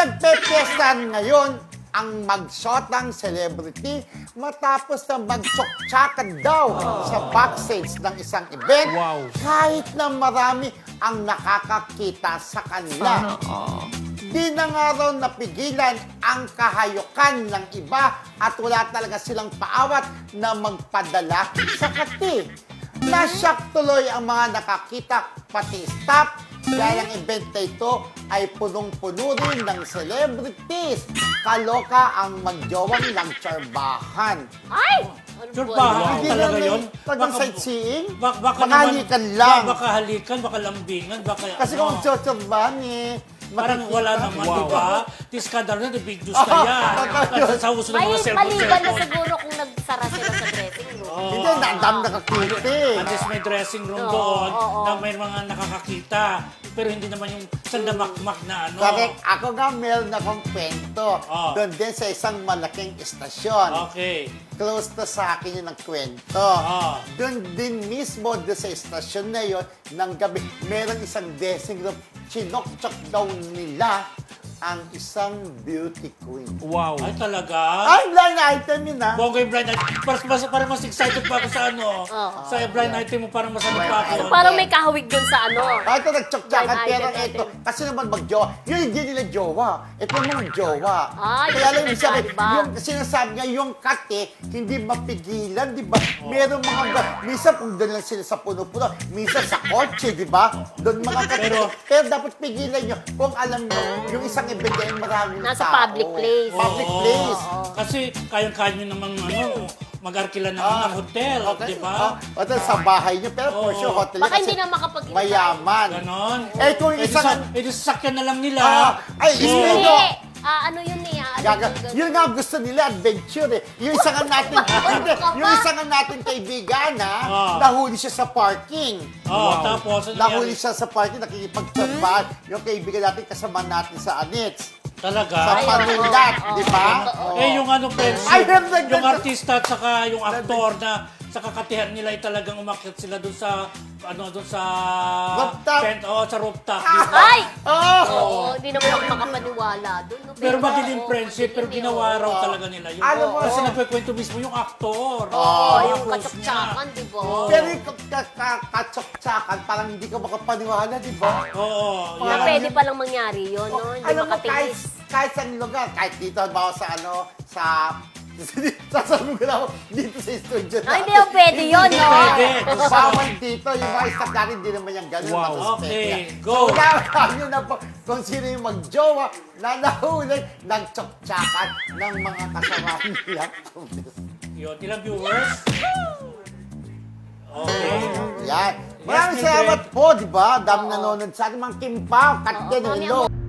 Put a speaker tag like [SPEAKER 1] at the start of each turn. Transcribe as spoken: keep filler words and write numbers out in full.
[SPEAKER 1] Nagpe-fiestahan ngayon ang magshotang celebrity matapos na magtsoktsakan daw sa backstage ng isang event.
[SPEAKER 2] Wow.
[SPEAKER 1] Kahit na marami ang nakakakita sa kanila. Di na nga raw napigilan ang kahayukan ng iba at wala talaga silang paawat na magpadala sa kati. Nasyak tuloy ang mga nakakita pati staff dahil ang event na ito ay punong-puno rin ng celebrities. Kaloka ang magjowang nagtsorbahan.
[SPEAKER 3] Ay! Ano
[SPEAKER 2] Tsorbahan?
[SPEAKER 3] ba?
[SPEAKER 2] Wow. Talaga yun?
[SPEAKER 1] Talagang
[SPEAKER 2] Baka-
[SPEAKER 1] sightseeing?
[SPEAKER 2] Bak baka
[SPEAKER 1] Baka halikan lang.
[SPEAKER 2] Baka halikan, baka lambingan, baka
[SPEAKER 1] Kasi
[SPEAKER 2] ano.
[SPEAKER 1] kung magtsorbahan eh,
[SPEAKER 2] Parang
[SPEAKER 1] makikita.
[SPEAKER 2] wala naman,
[SPEAKER 1] Wow.
[SPEAKER 2] di ba? Tiskadar na, big news na yan.
[SPEAKER 1] totoo yun.
[SPEAKER 2] Sa uso ng
[SPEAKER 3] May
[SPEAKER 2] mga cellphone.
[SPEAKER 3] maliban na
[SPEAKER 2] cellphone.
[SPEAKER 3] siguro kung nagsara sila sa dressing room.
[SPEAKER 2] Oo.
[SPEAKER 1] Hindi, ang dami nakakita eh.
[SPEAKER 2] At least may dressing room
[SPEAKER 3] Oo,
[SPEAKER 2] doon
[SPEAKER 3] oo.
[SPEAKER 2] na may mga nakakakita. Pero hindi naman yung sandamakmak na ano.
[SPEAKER 1] Correct. Ako nga meron akong kwento.
[SPEAKER 2] Oh.
[SPEAKER 1] Doon din sa isang malaking istasyon.
[SPEAKER 2] Okay.
[SPEAKER 1] Close to sa akin yun ang kwento.
[SPEAKER 2] Ah.
[SPEAKER 1] Doon din mismo, doon sa istasyon na yun, ng gabi, meron isang dressing room. Chinokchok daw nila ang isang beauty queen.
[SPEAKER 2] Wow. Ay, talaga?
[SPEAKER 1] Ay, blind item yun ah.
[SPEAKER 2] Bongga yung blind item. Parang mas, parang mas excited pa ako sa ano.
[SPEAKER 3] Oo.
[SPEAKER 2] Sa blind item mo, parang mas ano pa ako.
[SPEAKER 3] Parang may kahawig dun sa ano.
[SPEAKER 1] Ah, ito nagtsoktsakan,
[SPEAKER 3] Blind
[SPEAKER 1] pero
[SPEAKER 3] item
[SPEAKER 1] ito,
[SPEAKER 3] natin.
[SPEAKER 1] kasi naman mag-jowa. Yun hindi nila jowa. Ito naman jowa.
[SPEAKER 3] Ah,
[SPEAKER 1] Kaya
[SPEAKER 3] yun
[SPEAKER 1] lang
[SPEAKER 3] yung
[SPEAKER 1] yung sabi,
[SPEAKER 3] iba.
[SPEAKER 1] yung sinasabi niya, yung kate, hindi mapigilan, di ba? Meron mga, ba- minsan kung doon lang sila sa puno-puno, minsan sa kotse, di ba? Doon mga kate. Pero,
[SPEAKER 2] Pero-
[SPEAKER 1] dapat pigilan nyo. Kung alam nyo, yung isang event ay maraming
[SPEAKER 3] Nasa
[SPEAKER 1] tao.
[SPEAKER 3] public place.
[SPEAKER 1] Public
[SPEAKER 2] Oo.
[SPEAKER 1] place.
[SPEAKER 2] Kasi kayang-kaya nyo namang ano, mag-arkila ng
[SPEAKER 1] Ah,
[SPEAKER 2] ng hotel,
[SPEAKER 1] okay.
[SPEAKER 2] di ba?
[SPEAKER 1] Ah, hotel sa bahay nyo, pero for
[SPEAKER 2] Oo.
[SPEAKER 1] sure, hotel
[SPEAKER 3] Baka
[SPEAKER 1] kasi
[SPEAKER 3] hindi na makapag-invite.
[SPEAKER 1] mayaman.
[SPEAKER 2] Ganon.
[SPEAKER 1] Eh, kung
[SPEAKER 2] Eh, di
[SPEAKER 1] isang...
[SPEAKER 2] sa- eh, di sasakyan na lang nila.
[SPEAKER 1] Ah, ay,
[SPEAKER 2] Oo.
[SPEAKER 1] speaking
[SPEAKER 3] Hindi.
[SPEAKER 1] of-
[SPEAKER 3] Ah, ano yun eh. ah, Ano
[SPEAKER 1] Gaga.
[SPEAKER 3] yun,
[SPEAKER 1] Yun nga ang gusto nila, adventure eh. Yung isa nga natin, hindi,
[SPEAKER 3] ka ba?
[SPEAKER 1] yung isa nga natin kaibigan ha,
[SPEAKER 2] Ah.
[SPEAKER 1] nahuli siya sa parking.
[SPEAKER 2] Oo, tapos, ano
[SPEAKER 1] Nahuli
[SPEAKER 2] nangyari?
[SPEAKER 1] siya sa parking, nakikipagtrabahan. Yung kaibigan natin, kasama natin sa Anits.
[SPEAKER 2] Talaga?
[SPEAKER 1] Sa
[SPEAKER 3] Ay,
[SPEAKER 1] panulat,
[SPEAKER 3] oo,
[SPEAKER 1] di ba?
[SPEAKER 3] oo.
[SPEAKER 1] Oo.
[SPEAKER 2] Eh, yung ano, friendship,
[SPEAKER 1] Ay, nagdag-
[SPEAKER 2] yung artista at saka yung aktor na sa kakatihan nila ay talagang umakyat sila doon sa, ano, doon sa...
[SPEAKER 1] Rooftop.
[SPEAKER 2] Tent, oh, sa rooftop. di ba?
[SPEAKER 3] Ay!
[SPEAKER 1] Oh!
[SPEAKER 3] Oo, hindi naman ako makapaniwala dun. no?
[SPEAKER 2] Pero madilim
[SPEAKER 3] oo,
[SPEAKER 2] friendship, pero
[SPEAKER 3] madilim,
[SPEAKER 2] ginawa raw
[SPEAKER 3] oo.
[SPEAKER 2] talaga nila yun.
[SPEAKER 1] Alam mo,
[SPEAKER 2] Kasi
[SPEAKER 1] oo.
[SPEAKER 2] nagkikwento mismo yung aktor.
[SPEAKER 3] Oo,
[SPEAKER 2] Mga
[SPEAKER 3] yung
[SPEAKER 2] close
[SPEAKER 3] katsaktsakan,
[SPEAKER 2] niya.
[SPEAKER 3] di ba?
[SPEAKER 2] Oo.
[SPEAKER 1] Pero yung ka- ka- katsok-tsakan, parang hindi ka makapaniwala, di ba?
[SPEAKER 2] Oo.
[SPEAKER 3] Na
[SPEAKER 2] yan.
[SPEAKER 3] pwede palang mangyari yun, no? Hindi
[SPEAKER 1] Alam mo, kahit,
[SPEAKER 3] makatiis.
[SPEAKER 1] kahit sa lugar, kahit dito, bawa sa ano, sa... Sasabi ko na ako, dito sa studio
[SPEAKER 3] Ah, hindi yung pwede yun, no?
[SPEAKER 2] Pwede.
[SPEAKER 1] Bawal dito, yung mga staff natin, hindi naman yung ganun.
[SPEAKER 2] Wow.
[SPEAKER 1] matuspek
[SPEAKER 2] Okay,
[SPEAKER 1] yan.
[SPEAKER 2] go.
[SPEAKER 1] So, unahan nyo na po kung sino yung magjowa na nahuli ng tsoktsakan ng mga kasama nila.
[SPEAKER 2] Yun, ilang viewers? Okay.
[SPEAKER 1] Yan.
[SPEAKER 2] Yes,
[SPEAKER 1] Maraming
[SPEAKER 2] Mildred.
[SPEAKER 1] salamat po, di ba? Dami nanonood sa ating mga Kim Pao, Kat
[SPEAKER 3] Oo,
[SPEAKER 1] din,
[SPEAKER 3] mami,
[SPEAKER 1] hello.
[SPEAKER 3] ang